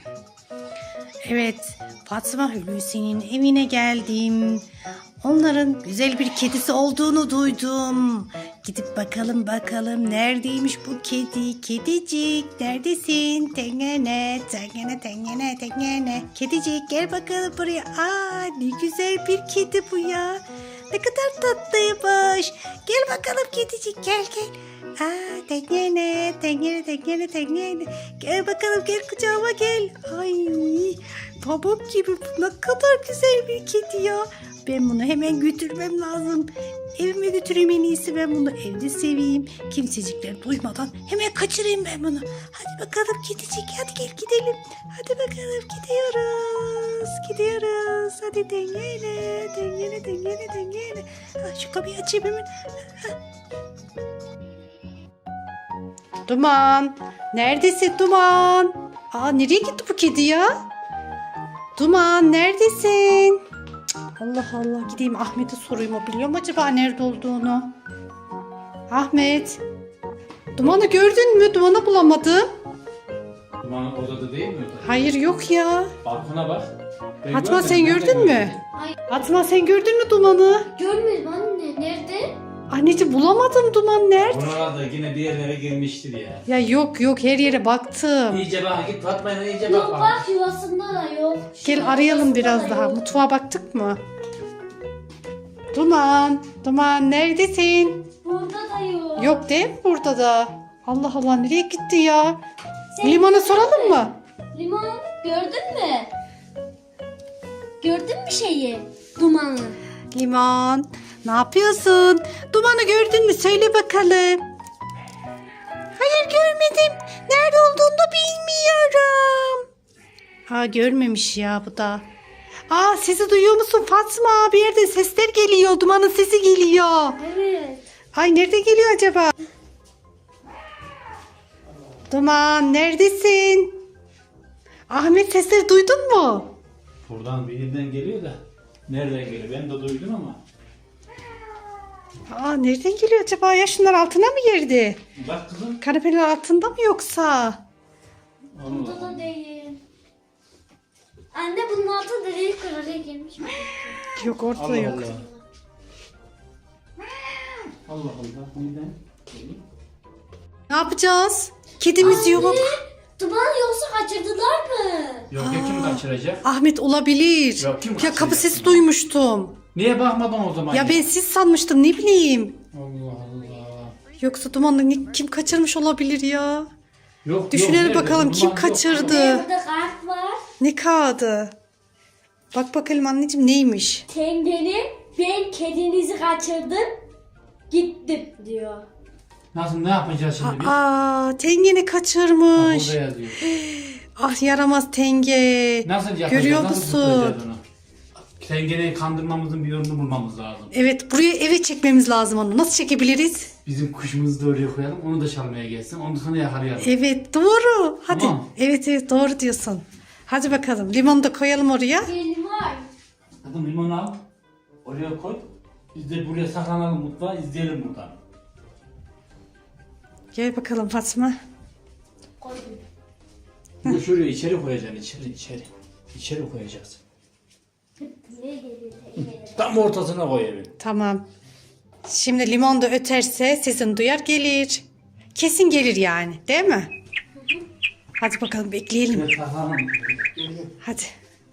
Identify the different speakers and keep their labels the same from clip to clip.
Speaker 1: Evet, Fatma Hulusi'nin evine geldim. Onların güzel bir kedisi olduğunu duydum. Gidip bakalım neredeymiş bu kedi? Kedicik neredesin? Tengene, tengene, tengene, tengene. Kedicik gel bakalım buraya. Aa, ne güzel bir kedi bu ya. Ne kadar tatlıymış. Gel bakalım kedicik, gel gel. Aa, tengene, tengene, tengene, tengene. Gel bakalım, gel kucağıma gel. Ay, pamuk gibi, ne kadar güzel bir kedi ya. Ben bunu hemen götürmem lazım. Evime götüreyim en iyisi, ben bunu evde seveyim. Kimsecikler duymadan hemen kaçırayım ben bunu. Hadi bakalım kedicik, hadi gel gidelim. Hadi bakalım gidiyoruz. Gidiyoruz. Hadi dengele, dengele, dengele, dengele. Ha, şu kapıyı açayım hemen. Ha. Duman. Neredesin Duman? Aa, nereye gitti bu kedi ya? Duman neredesin? Allah Allah, gideyim Ahmet'e sorayım, o biliyor mu acaba nerede olduğunu? Ahmet. Duman'ı gördün mü? Duman'ı bulamadım.
Speaker 2: Dumanın odada değil mi?
Speaker 1: Hayır, yok ya.
Speaker 2: Balkona bak. Ben
Speaker 1: Fatma
Speaker 2: görmedim,
Speaker 1: sen
Speaker 2: nerede
Speaker 1: gördün mü?
Speaker 3: Hayır.
Speaker 1: Fatma sen gördün mü Duman'ı?
Speaker 3: Görmedim anne. Nerede?
Speaker 1: Anneciğim bulamadım, Duman nerede?
Speaker 2: Buralarda yine bir yerlere girmiştir ya.
Speaker 1: Ya yok, her yere baktım.
Speaker 2: İyice bak, git Fatma'yla iyice
Speaker 3: Yok
Speaker 2: bak.
Speaker 3: bak, yuvasında da yok.
Speaker 1: Gel arayalım biraz daha. Mutfağa baktık mı? Duman neredesin?
Speaker 3: Burada da yok.
Speaker 1: Yok değil mi burada da? Allah Allah, nereye gitti ya?
Speaker 3: Sen
Speaker 1: Limon'a
Speaker 3: gördün
Speaker 1: soralım
Speaker 3: mü?
Speaker 1: mı?
Speaker 3: Limon gördün mü? Gördün mü şeyi? Dumanı.
Speaker 1: Limon, ne yapıyorsun? Duman'ı gördün mü? Söyle bakalım. Hayır, görmedim. Nerede olduğunu da bilmiyorum. Ha, görmemiş ya bu da. Aa, sesi duyuyor musun Fatma? Bir yerden sesler geliyor. Duman'ın sesi geliyor.
Speaker 3: Evet.
Speaker 1: Ay, nerede geliyor acaba? Duman neredesin? Ahmet, sesleri duydun mu?
Speaker 2: Buradan bir yerden geliyor da. Nereden geliyor? Ben de duydum ama.
Speaker 1: Aa, nereden geliyor acaba ya? Şunlar altına mı girdi?
Speaker 2: Bak kızım.
Speaker 1: Kanepenin altında mı yoksa?
Speaker 3: Burada
Speaker 2: Allah.
Speaker 3: da değil. Anne bunun altı delik oraya girmiş mi?
Speaker 1: Yok, ortada
Speaker 2: Allah
Speaker 1: yok.
Speaker 2: Allah. Allah Allah. Neden?
Speaker 1: Ne yapacağız? Kedimiz yok.
Speaker 3: Anne, Duman yoksa kaçırdılar mı?
Speaker 2: Yok ya, kim kaçıracak?
Speaker 1: Ahmet, olabilir.
Speaker 2: Yok, kim
Speaker 1: Ya, kapı
Speaker 2: kaçıracak?
Speaker 1: sesi duymuştum.
Speaker 2: Niye bakmadın o zaman?
Speaker 1: Ya ben siz sanmıştım, ne bileyim.
Speaker 2: Allah Allah.
Speaker 1: Yoksa Duman'ı kim kaçırmış olabilir ya?
Speaker 2: Yok,
Speaker 1: Düşünelim
Speaker 2: nerede?
Speaker 1: bakalım,
Speaker 2: Duman
Speaker 1: kim
Speaker 2: yok.
Speaker 1: kaçırdı?
Speaker 3: Burada kart var.
Speaker 1: Ne kağıdı? Bak bakalım anneciğim, neymiş?
Speaker 3: Tengenim, ben kedinizi kaçırdım. Gittim diyor.
Speaker 2: Nasıl, ne yapacağız şimdi biz?
Speaker 1: Aa, Tengen'i
Speaker 2: Bak,
Speaker 1: kaçırmış.
Speaker 2: burada yazıyor.
Speaker 1: Ah, yaramaz Tenge.
Speaker 2: Nasıl yapacağız?
Speaker 1: Görüyor
Speaker 2: Nasıl
Speaker 1: musun?
Speaker 2: tutacağız onu? Sen gene kandırmamızın bir yolunu bulmamız lazım.
Speaker 1: Evet, buraya eve çekmemiz lazım onu. Nasıl çekebiliriz?
Speaker 2: Bizim kuşumuzu da oraya koyalım. Onu da çalmaya gelsin. Onu da sonra yakalayalım.
Speaker 1: Evet, doğru. Hadi.
Speaker 2: Tamam.
Speaker 1: Evet, doğru diyorsun. Hadi bakalım, limonu da koyalım oraya.
Speaker 3: Benim var.
Speaker 2: Hadi limonu al. Oraya koy. Biz de buraya saklanalım, mutfağa izleyelim buradan.
Speaker 1: Gel bakalım Fatma.
Speaker 3: Koydum.
Speaker 2: Bunu şuraya içeri koyacaksın. İçeri. İçeri koyacağız.
Speaker 3: Ne geliyor?
Speaker 2: Tam ortasına koy evin.
Speaker 1: Tamam. Şimdi limon da öterse sesini duyar, gelir. Kesin gelir yani, değil mi? Hadi bakalım, bekleyelim.
Speaker 2: Şuraya saklanalım.
Speaker 1: Hadi.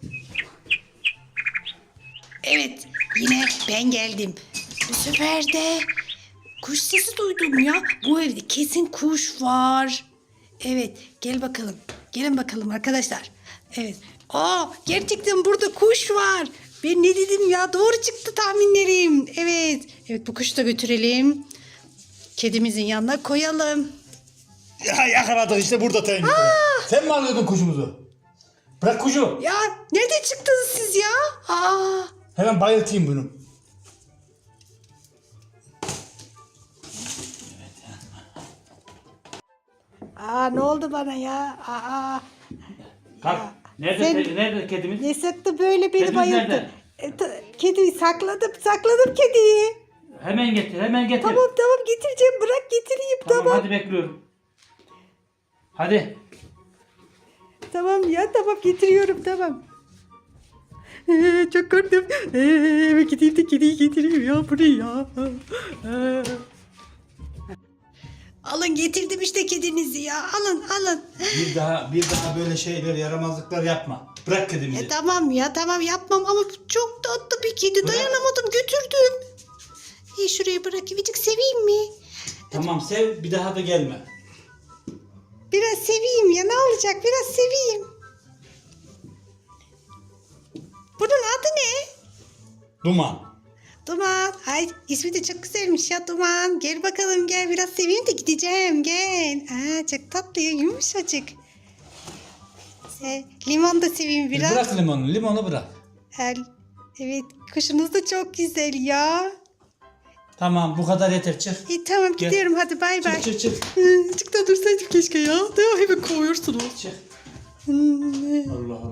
Speaker 1: Evet, yine ben geldim. Bu sefer de kuş sesi duydum ya. Bu evde kesin kuş var. Evet, gel bakalım. Gelin bakalım arkadaşlar. Evet. Aa, gerçekten burada kuş var. Ben ne dedim ya? Doğru çıktı tahminlerim. Evet. Evet, bu kuşu da götürelim. Kedimizin yanına koyalım.
Speaker 2: Ya yakaladık işte burada Tengi. Sen mi alıyordun kuşumuzu? Bırak kuşu.
Speaker 1: Ya nereden çıktınız siz ya? Aa.
Speaker 2: Hemen bayıltayım bunu.
Speaker 1: Aa, ne oldu bana ya? Aa.
Speaker 2: Kalk. Nerede,
Speaker 1: Sen-
Speaker 2: nerede kedimiz?
Speaker 1: Ne sıktı böyle beni
Speaker 2: Kedimiz
Speaker 1: bayılttı.
Speaker 2: nerede?
Speaker 1: Kediyi sakladım kediyi.
Speaker 2: Hemen getir, hemen getir.
Speaker 1: Tamam getireceğim, bırak getireyim tamam.
Speaker 2: Hadi bekliyorum. Hadi.
Speaker 1: Tamam ya tamam getiriyorum tamam. Çok korktum. Eve gideyim de kediyi getireyim ya buraya. Alın getirdim işte kedinizi ya. Alın.
Speaker 2: Bir daha böyle şeyler, yaramazlıklar yapma. Bırak kedimizi.
Speaker 1: Tamam ya tamam yapmam ama bu çok tatlı bir kedi. Dayanamadım götürdüm. Şuraya bırakayım. Azıcık seveyim mi?
Speaker 2: Tamam sev, bir daha da gelme.
Speaker 1: Biraz seveyim ya ne olacak? Biraz seveyim. Bunun adı ne?
Speaker 2: Duman.
Speaker 1: Duman. Ay ismi de çok güzelmiş ya Duman. Gel bakalım gel biraz seveyim de gideceğim gel. Çok tatlı ya yumuşacık. Limon da seveyim biraz.
Speaker 2: Bırak limonu bırak.
Speaker 1: Evet kuşunuz da çok güzel ya.
Speaker 2: Tamam bu kadar yeter, çık.
Speaker 1: Tamam
Speaker 2: Gel.
Speaker 1: gidiyorum hadi bay bay.
Speaker 2: Çık.
Speaker 1: Azıcık da dursaydım keşke ya. Hemen kovuyorsunuz.
Speaker 2: Çık. Allah